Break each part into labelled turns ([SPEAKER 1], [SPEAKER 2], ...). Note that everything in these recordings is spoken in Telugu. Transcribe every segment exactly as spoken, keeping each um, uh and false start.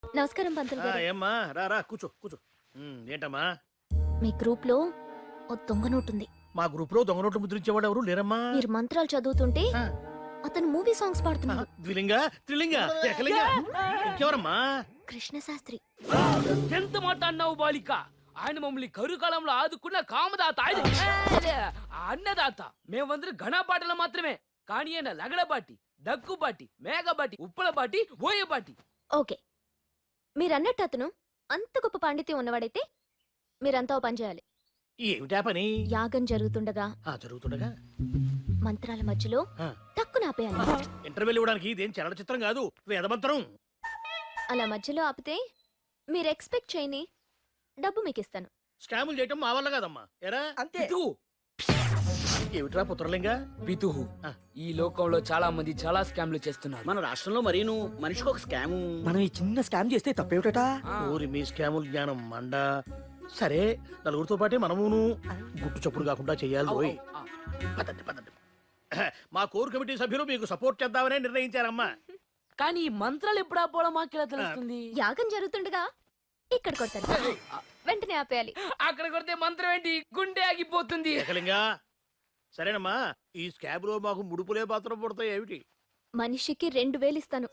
[SPEAKER 1] నమస్కారం పంతులు గారు.
[SPEAKER 2] ఏమ్మా రా రా కూర్చో కూర్చో. ఉమ్, ఏంటమ్మా
[SPEAKER 1] మీ గ్రూప్ లో ఓ దొంగ నోటుంది.
[SPEAKER 2] మా గ్రూప్ లో దొంగ నోట్లు ముద్రించేవాడు ఎవరు లేరమ్మా?
[SPEAKER 1] మీరు మంత్రాలు చదువుతుంటే
[SPEAKER 2] ఆ.
[SPEAKER 1] అతను మూవీ సాంగ్స్ పాడుతున్నాడు.
[SPEAKER 2] ద్విలింగ త్రిలింగ ఏకలింగ ఇంకెవరమ్మా?
[SPEAKER 1] కృష్ణ శాస్త్రి.
[SPEAKER 3] ఎంత మాట అన్నావు బాలిక? ఆయన మమ్మల్ని కరుకాలంలో ఆదుకున్న కామదాత ఆయన. ఏ, అన్నదాత. మేమందరం ఘనపాటలు మాత్రమే. కానీ ఆయన లగడబాటి, దగ్గుబాటి, మేఘబాటి, ఉప్పలబాటి, ఓయబాటి.
[SPEAKER 1] ఓకే, మీరన్నట్టు అతను అంత గొప్ప పాండిత్యం ఉన్నవాడైతే మీరంతా ఓ పని చేయాలి.
[SPEAKER 2] ఏమిటా పని?
[SPEAKER 1] యాగం జరుగుతుండగా
[SPEAKER 2] ఆ జరుగుతుండగా
[SPEAKER 1] మంత్రాల మధ్యలో
[SPEAKER 2] ఆ.
[SPEAKER 1] తక్కువ ఆపేయాలి.
[SPEAKER 2] ఇంటర్వెల్ ఇవ్వడానికి ఇదేం చలన చిత్రం కాదు, వేదమంత్రం.
[SPEAKER 1] అలా మధ్యలో ఆపితే మీరు ఎక్స్పెక్ట్ చేయని డబ్బు మీకు ఇస్తాను.
[SPEAKER 2] స్కాములు చేయటం మా వల్ల కాదమ్మా. ఎరా
[SPEAKER 3] పితుహు,
[SPEAKER 2] ఏమిట్రా పుత్రలింగ?
[SPEAKER 3] పితుహు.
[SPEAKER 2] ఆ.
[SPEAKER 3] ఈ లోకంలో చాలా మంది చాలా స్కామ్లు చేస్తున్నారు.
[SPEAKER 4] మన రాష్ట్రంలో మరీను మనిషికి ఒక స్కాము.
[SPEAKER 5] మనం ఈ చిన్న స్కామ్ చేస్తే తప్పేమిటా?
[SPEAKER 3] ఆ.
[SPEAKER 2] ఊరి మీ స్కాముల జ్ఞానం మండ. సరే నలుగురితో పాటే మనమును గుట్టు చప్పుడు కాకుండా చెయ్యాలి.
[SPEAKER 3] అవు,
[SPEAKER 2] ఓయ్.
[SPEAKER 3] అవు, ఆ.
[SPEAKER 2] పదండి పదండి. మా కోర్ కమిటీ సభ్యులు మీకు సపోర్ట్ చేద్దామనే నిర్ణయించారమ్మా.
[SPEAKER 3] కానీ ఈ మంత్రాలు ఎప్పుడు ఆపోవడం మాకెలా తెలుస్తుంది?
[SPEAKER 1] యాగం జరుగుతుండగా ఇక్కడ కొడతాను, వెంటనే ఆపేయాలి.
[SPEAKER 3] అక్కడ కొడితే మంత్రం ఏంటి? గుండె ఆగిపోతుంది.
[SPEAKER 2] ఏకలింగా సరేనమ్మా. ఈ స్కాబ్ లో మాకు ముడుపులే పాత్ర పడతాయి ఏమిటి?
[SPEAKER 1] మనిషికి రెండు వేలు ఇస్తాను.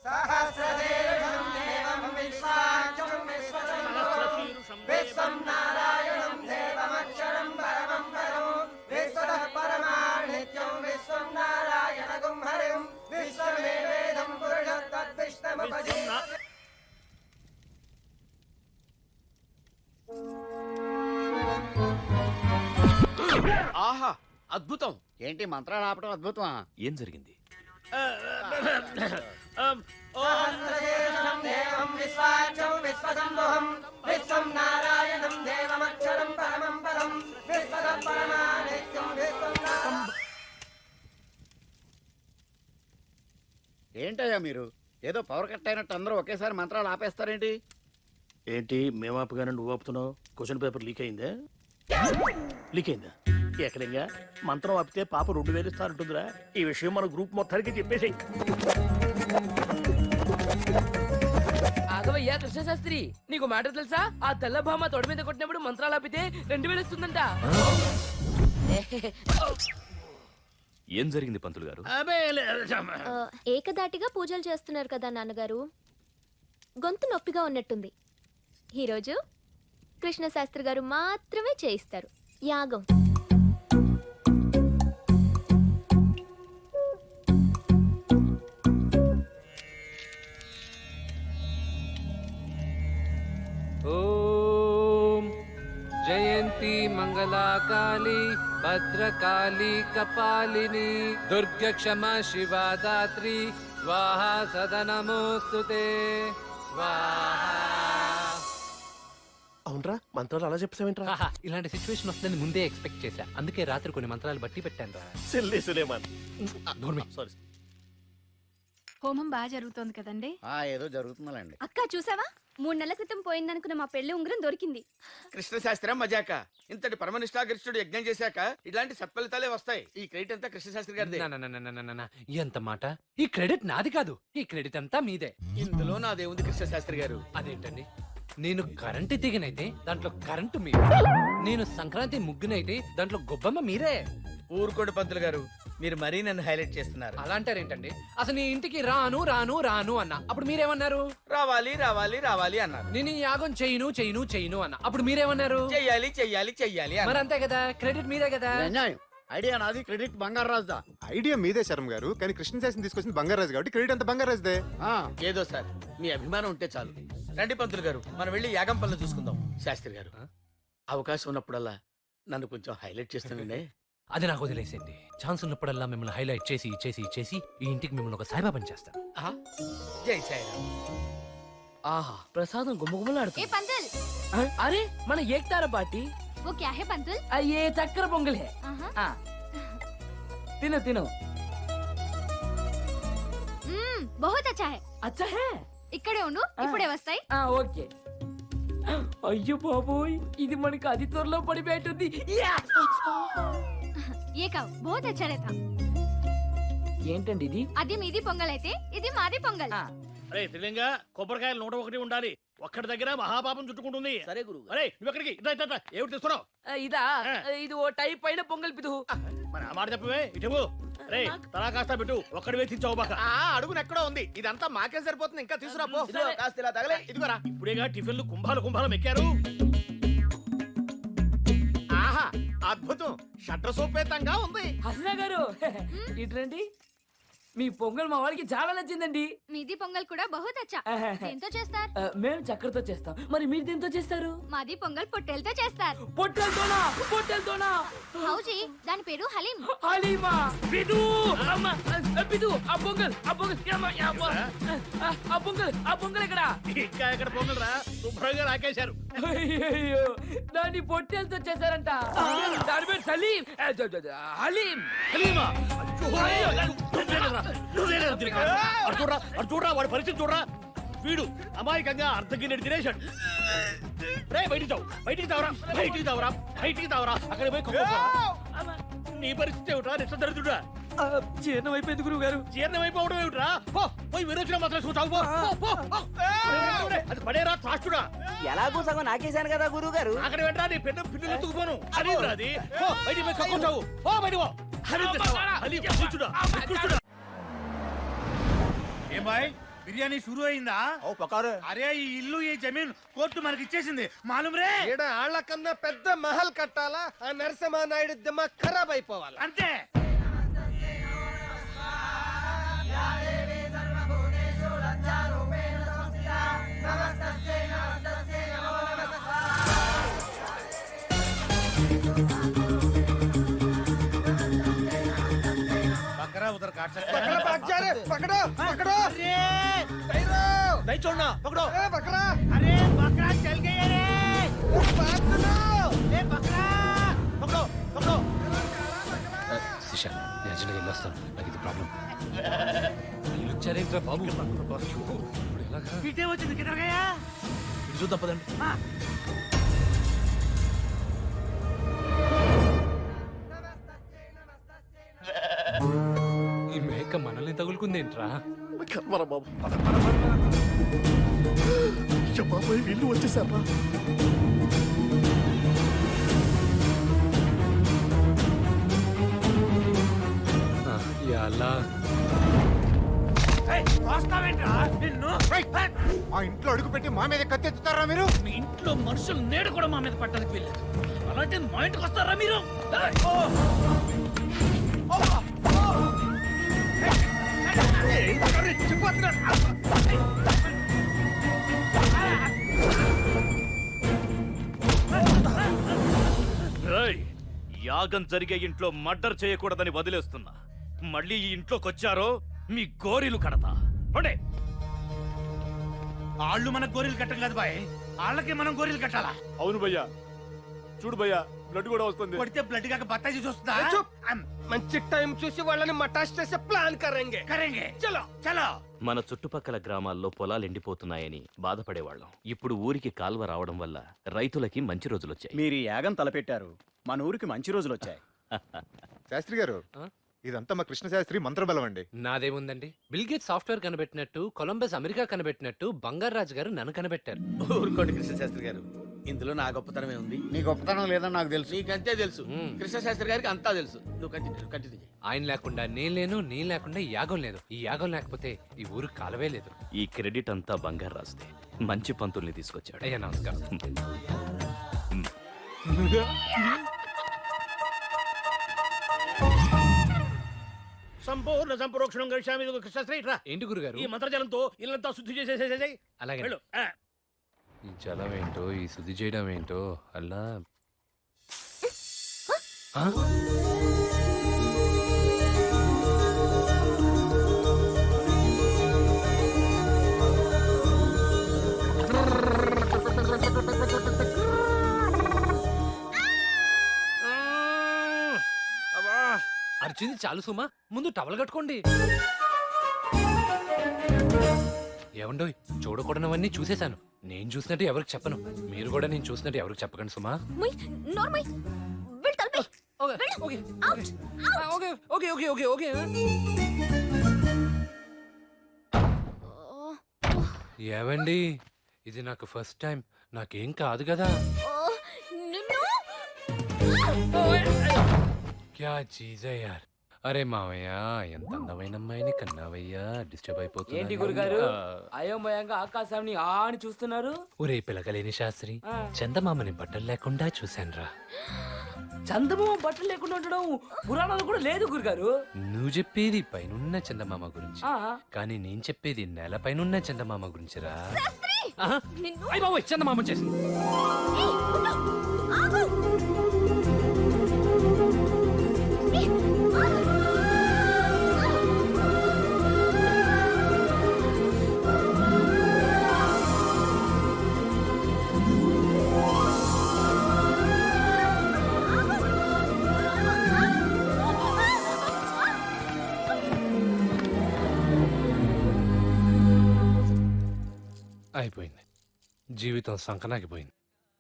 [SPEAKER 4] ఆహా అద్భుతం. ఏంటి మంత్రాలు ఆపడం అద్భుతమా?
[SPEAKER 6] ఏం జరిగింది?
[SPEAKER 4] ఏంటయ్యా మీరు ఏదో పవర్ కట్ అయినట్టు అందరూ ఒకేసారి మంత్రాలు ఆపేస్తారేంటి?
[SPEAKER 2] ఏంటి మేమాపుగానే నువ్వు ఆపుతున్నావు? క్వశ్చన్ పేపర్ లీక్ అయిందా? లీక్ అయిందా? ఏకలింగా మంత్రం ఆపితే పాప రెండు వేలు ఇస్తానంటుందిరా. ఈ విషయం మన గ్రూప్ మొత్తానికి చెప్పేసి.
[SPEAKER 3] ఆగవయ్యా కృష్ణశాస్త్రి, నీకు మ్యాటర్ తెలుసా? ఆ తెల్ల భామ తొడ మీద కొట్టినప్పుడు మంత్రాలు ఆపితే రెండు వేలు ఇస్తుందంట.
[SPEAKER 6] ఏం జరిగింది పంతులు గారు?
[SPEAKER 2] అబే లే-
[SPEAKER 1] ఆ, ఏకదాటిగా పూజలు చేస్తున్నారు కదా నాన్నగారు, గొంతు నొప్పిగా ఉన్నట్టుంది. ఈరోజు కృష్ణ శాస్త్రి గారు మాత్రమే చేయిస్తారు యాగం.
[SPEAKER 7] ఓం జయంతి మంగళాకాళి భద్రకాళి కపాలిని దుర్గ క్షమా శివా దాత్రి స్వాహా సదనమోస్తుతే స్వాహా.
[SPEAKER 2] అవునరా మంత్రాలు అలా చెప్తావేంట్రా?
[SPEAKER 8] ఆహా, ఇలాంటి సిచ్యువేషన్ వస్తుందని ముందే ఎక్స్పెక్ట్ చేశా. అందుకే రాత్రి కొన్ని మంత్రాలు బట్టి పెట్టాను రా.
[SPEAKER 2] సిల్లీ సులేమాన్. సారీ.
[SPEAKER 9] హోమం బాగా జరుగుతోంది కదండి.
[SPEAKER 4] ఆ ఏదో జరుగుతుందండి.
[SPEAKER 9] అక్క చూసావా, మూడు నెలల క్రితం పోయిందనుకున్న మా పెళ్లి ఉంగరం దొరికింది.
[SPEAKER 10] కృష్ణశాస్త్రం మజాక. ఇంతటి పరమనిష్టాగరిష్ఠుడు యజ్ఞం చేశాక ఇలాంటి సత్ఫలితాలే వస్తాయి. ఈ క్రెడిట్ అంతా కృష్ణశాస్త్రి గారిదే.
[SPEAKER 8] నా, నా, నా, నా, నా, నా, నా. ఎంత మాట! ఈ క్రెడిట్ నాది కాదు, ఈ క్రెడిట్ అంతా మీదే.
[SPEAKER 10] ఇందులో నాదేముంది కృష్ణశాస్త్రి గారు?
[SPEAKER 8] అదేంటండి, నేను కరెంటు తీగనైతే దాంట్లో కరెంటు మీరు, నేను సంక్రాంతి ముగ్గునైతే దాంట్లో గొబ్బమ్మ మీరే.
[SPEAKER 10] ఊరుకోడు పంతులు గారు, మీరు మరీ నన్ను హైలైట్ చేస్తున్నారు.
[SPEAKER 8] అలా అంటారేంటండి? అసలు నీ ఇంటికి రాను రాను రాను అన్న, అప్పుడు మీరేమన్నారు?
[SPEAKER 10] రావాలి రావాలి రావాలి అన్నారు.
[SPEAKER 8] నేను ఈ యాగం చేయను చేయను చేయను అన్న, అప్పుడు మీరేమన్నారు?
[SPEAKER 10] చెయ్యాలి చెయ్యాలి చెయ్యాలి
[SPEAKER 8] మరి
[SPEAKER 10] అన్నారు.
[SPEAKER 8] అంతే కదా, క్రెడిట్ మీదే కదా.
[SPEAKER 4] అన్యాయం. ఐడియా నాది, క్రెడిట్ బంగారు రాజుదా.
[SPEAKER 11] ఐడియా మీదే శర్మ గారు, కానీ కృష్ణశాస్త్రి తీసుకొచ్చింది బంగారాజు కాబట్టి క్రెడిట్ అంతా బంగారాజుదే.
[SPEAKER 4] ఆ,
[SPEAKER 10] ఏదో సార్ మీ అభిమానం ఉంటే చాలు. రండి పంతులు గారు, మనం వెళ్ళి యాగం పనులు చూసుకుందాం. శాస్త్రి గారు, అవకాశం ఉన్నప్పుడల్లా నన్ను కొంచెం హైలైట్ చేస్తుండే.
[SPEAKER 8] అది నాకు వదిలేసేయండి. ఛాన్స్ ఉన్నప్పుడల్లా మిమ్మల్ని హైలైట్ చేసి చేసి చేసి ఈ ఇంటికి మిమ్మల్ని ఒక సాయిబాబాని చేస్తాను.
[SPEAKER 10] ఆహా, జై సాయిరామ్.
[SPEAKER 3] ఆహా, ప్రసాదం
[SPEAKER 9] ఏ
[SPEAKER 3] గుమ్మగుమ్మలాడుతుంది.
[SPEAKER 9] పంతుల్,
[SPEAKER 3] అరే మన ఏక్తార పార్టీ.
[SPEAKER 9] वो क्या है पंतुल?
[SPEAKER 3] అయ్యే చక్కెర పొంగలే.
[SPEAKER 9] ఆహా.
[SPEAKER 3] ఆ. తిను తిను.
[SPEAKER 9] మ్మ్, बहुत अच्छा है.
[SPEAKER 3] అచ్చా హే.
[SPEAKER 9] ఇక్కడే ఉండు, ఇప్పుడే వస్తాయి.
[SPEAKER 3] ఆ, ఓకే. అయ్యో బాబోయ్, ఇది మనకి అతి త్వరలో పడిపోయేటుంది. యా!
[SPEAKER 9] ये కావు, बहुत अच्छा रहता.
[SPEAKER 3] ఏంటండి ఇది?
[SPEAKER 9] అది మీది పొంగల్ అయితే ఇది మాది పొంగల్.
[SPEAKER 3] ఆ,
[SPEAKER 2] అరే త్రిలింగ కొబ్బరికాయలు నూట ఒకటి ఉండాలి. ఒక్కడి దగ్గర మహాపాపం చుట్టుకుంటుంది.
[SPEAKER 3] సరే గురువు
[SPEAKER 2] అరే నువ్వు ఎక్కడికి ఇట్లా ఇట్లా ఇట్లా. ఏమిటి తెస్తున్నావు?
[SPEAKER 3] ఇదా ఇది ఓ టైప్ అయిన పొంగల్ పిదు
[SPEAKER 2] మరి ఆ మాట చెప్పవే ఇటు. రే తలా కాస్త పెట్టు. ఒక్కడి వేసించావు బాక.
[SPEAKER 4] అడుగున ఎక్కడో ఉంది, ఇదంతా మాకే సరిపోతుంది. ఇంకా తీసుకురాపో.
[SPEAKER 3] సరే.
[SPEAKER 4] కాస్త ఇలా తగలే. ఇదిగోరా.
[SPEAKER 2] ఇప్పుడేగా టిఫిన్లు కుంభాలు కుంభాలు ఎక్కారు.
[SPEAKER 4] ఆహా అద్భుతం. షట్ర సోపేతంగా ఉంది.
[SPEAKER 3] హసనా గారు ఇట్రండి. మీ పొంగల్ మా వాడికి చాలా నచ్చిందండి.
[SPEAKER 9] మీది పొంగల్ కూడా బహుత్ అచ్చా. దేంతో చేస్తారు?
[SPEAKER 3] ఆ, మేము చక్కెరతో చేస్తాం. మరి మీరు దేంతో చేస్తారు?
[SPEAKER 9] మాది పొంగల్ పొట్టేలతో చేస్తారు.
[SPEAKER 3] పొట్టెలతోనా? పొట్టెలతోనా?
[SPEAKER 9] హౌజీ దాని పేరు హలీం.
[SPEAKER 3] హలీమా పిదు అమ్మ ఆ, పిదు ఆ పొంగల్ ఆ పొంగల్ యమ్మ, యమ్మ. ఆ, ఆ పొంగల్ ఆ పొంగల్ ఎక్కడ?
[SPEAKER 2] ఇంకా ఎక్కడ పొంగలరా? శుభ్రంగా రాకేశారు.
[SPEAKER 3] అయ్యయ్యో, దాన్ని పొట్టెలతో చేశారంట. దాని పేరు సలీం ఆ, జ, జ, జ, హలీం.
[SPEAKER 2] హలీమా? అయ్యో, నువ్వేలేరా? నువ్వేలేరా తిరిగి? అటు చూడరా, అటు చూడరా, వాడి పరిస్థితి చూడరా. వీడు అమాయకంగా అర్ధగిన్నెడు తినేశాడు. రే బయటికి తావు, బయటికి తావరా, బయటికి తావరా, బయటికి తావరా. అక్కడ పోయి కుక్కో. నీ పరిస్థితి ఏమిట్రా? నిష్ట దరిద్రుడా.
[SPEAKER 5] జీర్ణం అయిపోయింది గురువు గారు.
[SPEAKER 2] జీర్ణం అయిపోవడం ఏమిట్రా? పో పోయి విరోచన మాత్రం చూసావు. పో పో, పో, పో. అది పడేరా త్రాష్టుడా.
[SPEAKER 5] ఎలాగో సగం నాకేశాను కదా గురువు గారు.
[SPEAKER 2] అక్కడ వెంటరా నీ పెద్ద పిల్లలు ఎత్తుకుపోను. అది అది పో బయటికి పోయి కక్కుంటావు. పో బయటికి పో. హలీం తెస్తావా? హలీం, కూర్చుడా, కూర్చుడా.
[SPEAKER 10] ఏ బాయ్ బిర్యానీ షురూ అయిందా? అరే ఈ ఇల్లు ఈ జమీన్ కోర్టు మనకి ఇచ్చేసింది మాలూమ్ రే.
[SPEAKER 4] ఆళ్ల కన్నా పెద్ద మహల్ కట్టాలా? ఆ నరసింహ నాయుడు దిమాగ్ ఖరాబ్ అయిపోవాలి.
[SPEAKER 10] అంతే. बकरा उधर काट सकता है।
[SPEAKER 4] बकरा भाग जा रे, पकड़ो पकड़ो।
[SPEAKER 10] अरे
[SPEAKER 4] भैरो
[SPEAKER 2] नहीं छोड़ना, पकड़ो।
[SPEAKER 4] ए बकरा,
[SPEAKER 10] अरे बकरा चल गया रे।
[SPEAKER 4] बात सुनो।
[SPEAKER 10] ए बकरा पकड़ो पकड़ो।
[SPEAKER 8] శిషా నేను అర్జెంట్గా వెళ్ళొస్తాను. నాకు ఇది ప్రాబ్లం. వీళ్ళు వచ్చారేంట్రా బాబు? ఇప్పుడు ఎలాగా?
[SPEAKER 10] पीटे वो चल किधर गया?
[SPEAKER 2] ఇటు చూద్దాం పదండి.
[SPEAKER 8] ఈ మేక మనల్ని తగులుకుందేంట్రా?
[SPEAKER 2] కర్మరా బాబు. బాబాయ్ వీళ్ళు వచ్చేసారా?
[SPEAKER 8] ఆ, ఎలా
[SPEAKER 10] వస్తావేంట్రా నిన్ను?
[SPEAKER 11] మా ఇంట్లో అడుగు పెట్టి మా మీద కత్తెత్తుతారా మీరు?
[SPEAKER 2] మీ ఇంట్లో మనుషులు నేడు కూడా మా మీద పట్టడానికి వెళ్ళారు. అలాంటి మా ఇంటికి వస్తారా మీరు? ఏయ్! ఓ! ఓ! ఓ! ఏయ్! అరే, చిపోతున్నా.
[SPEAKER 6] రేయ్, యాగం జరిగే ఇంట్లో మర్డర్ చేయకూడదని వదిలేస్తున్నా. మళ్ళీ ఈ ఇంట్లోకి వచ్చారో మీ గోరీలు కడతా. పోండి.
[SPEAKER 10] వాళ్ళు మన గోరీలు కట్టం కాదు బాయ్, వాళ్ళకి మనం గోరీలు కట్టాలా?
[SPEAKER 11] అవును భయ్యా, చూడు భయ్యా బ్లడ్ కూడా వస్తుంది.
[SPEAKER 10] కొడితే బ్లడ్ కాక బత్తా చూసి వస్తుందా?
[SPEAKER 4] చూప్.
[SPEAKER 10] అమ్,
[SPEAKER 4] మంచి టైం చూసి వాళ్ళని మటాష్ చేసే ప్లాన్ కరెంగే.
[SPEAKER 10] కరెంగే. చలో చలో.
[SPEAKER 6] మన చుట్టుపక్కల గ్రామాల్లో పొలాలు ఎండిపోతున్నాయని బాధపడేవాళ్ళం. ఇప్పుడు ఊరికి కాల్వ రావడం వల్ల రైతులకి మంచి రోజులొచ్చాయి.
[SPEAKER 5] మీరు ఈ యాగం తలపెట్టారు, మన ఊరికి మంచి రోజులు వచ్చాయి.
[SPEAKER 11] శాస్త్రి గారు,
[SPEAKER 8] ఆ?
[SPEAKER 11] ఇదంతా మా కృష్ణ శాస్త్రి మంత్రబలం అండి.
[SPEAKER 8] నాదేముందండి? బిల్గేట్ సాఫ్ట్వేర్ కనిపెట్టినట్టు, కొలంబస్ అమెరికా కనిపెట్టినట్టు బంగారాజు గారు నన్ను కనిపెట్టారు.
[SPEAKER 10] ఊరుకోండి కృష్ణశాస్త్రి గారు, ఇందులో నా గొప్పతనమే ఉంది.
[SPEAKER 4] నీ గొప్పతనం లేదని నాకు తెలుసు.
[SPEAKER 10] నీకంతే తెలుసు.
[SPEAKER 8] మ్మ్.
[SPEAKER 10] కృష్ణశాస్త్రి గారికి అంతా తెలుసు. నువ్వు కంటిన్యూ కంటిన్యూ చేయి.
[SPEAKER 8] ఆయన లేకుండా నేను లేను, నేను లేకుండా ఈ యాగం లేదు. ఈ యాగం లేకపోతే ఈ ఊరు కాలవే లేదు.
[SPEAKER 6] ఈ క్రెడిట్ అంతా బంగారు రాస్తే మంచి పంతుల్ని తీసుకొచ్చాడు.
[SPEAKER 8] అయ్యా నమస్కారం.
[SPEAKER 2] సంపూర్ణ సంప్రోక్షణం గడిచామి. కృష్ణశ్రీ రా.
[SPEAKER 8] ఏంటి గురుగారు?
[SPEAKER 2] ఈ మంత్రజలంతో ఇల్లంతా శుద్ధి చేసేసేసేయ్.
[SPEAKER 8] అలాగే.
[SPEAKER 2] వెళ్ళు. ఆ.
[SPEAKER 8] ఈ జలం ఏంటో, ఈ శుద్ధి చేయడం ఏంటో అలా. ఆ? అర్చింది చాలు సుమా, ముందు టవల్ కట్టుకోండి. ఏమండోయ్, చూడకూడనవన్నీ చూసేశాను. నేను చూసినట్టు ఎవరికి చెప్పను, మీరు కూడా నేను చూసినట్టు ఎవరికి చెప్పకండి సుమా.
[SPEAKER 1] ముయ్ నోర్మై వెళ్ళు తలపై.
[SPEAKER 8] Okay okay okay okay okay okay okay. ఏవండి ఇది నాకు ఫస్ట్ టైం, నాకేం కాదు కదా.
[SPEAKER 1] ఓ, నిన్ను
[SPEAKER 8] క్యా చీజ్ హై యార్. అరే మావయ్య, ఎంత అందమైన అమ్మాయిని కన్నావయ్యా, డిస్టర్బ్ అయిపోతుంది.
[SPEAKER 3] ఏంటి గురుగారు అయోమయంగా ఆకాశాన్ని ఆ అని చూస్తున్నారు?
[SPEAKER 8] ఒరే పిలకలేని శాస్త్రి,
[SPEAKER 3] ఆ.
[SPEAKER 8] చందమామని బట్టలు లేకుండా చూశానురా.
[SPEAKER 3] చందమామ బట్టలు లేకుండా ఉండడం పురాణాలు కూడా లేదు గురుగారు.
[SPEAKER 8] నువ్వు చెప్పేది పైనున్న చందమామ గురించి,
[SPEAKER 3] ఆ,
[SPEAKER 8] కానీ నేను చెప్పేది నేల పైనున్న చందమామ గురించిరా.
[SPEAKER 1] నిన్ను
[SPEAKER 8] అయ్య బాబోయ్, చందమామ చేసింది.
[SPEAKER 1] ఏయ్, ఉండు. ఆగు. ఏయ్, ఆగు.
[SPEAKER 8] అయిపోయింది, జీవితం సంకనాగిపోయింది.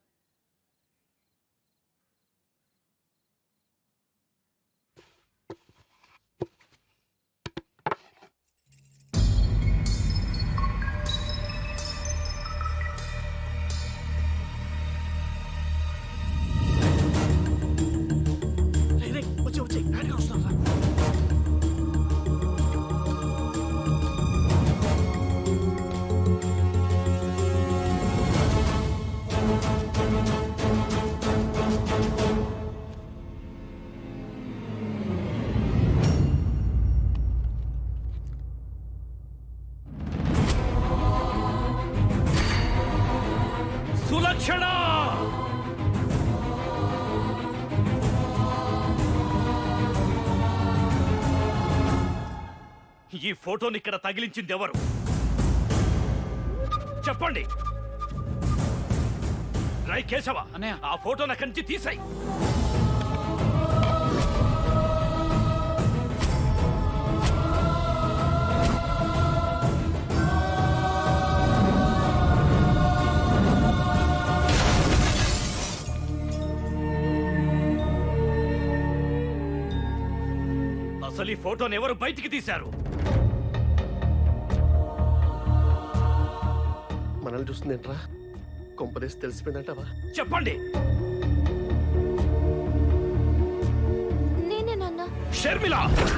[SPEAKER 2] వచ్చే వచ్చే నాన్నగారు వస్తున్నారా? సులక్షణ,
[SPEAKER 6] ఈ ఫోటోని ఇక్కడ తగిలించింది ఎవరు? చెప్పండి. రై కేశవ, ఆ ఫోటో నా కంచి తీసాయి. అసలు ఈ ఫోటోని ఎవరు బయటికి తీశారు?
[SPEAKER 2] మనల్ని చూస్తుందేంట్రా? కొంపదేసి తెలిసిపోయిందంటావా?
[SPEAKER 6] చెప్పండి.
[SPEAKER 1] నేనే నాన్న.
[SPEAKER 6] షర్మిల,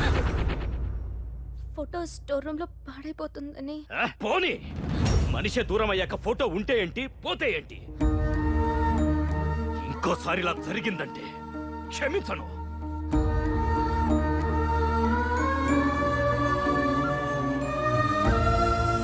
[SPEAKER 1] ఫోటో స్టోర్ రూమ్ లో పాడైపోతుందని.
[SPEAKER 6] ఆ, పోనీ. మనిషి దూరం అయ్యాక ఫోటో ఉంటే ఏంటి, పోతే ఏంటి? ఇంకోసారి ఇలా జరిగిందంటే క్షమించను.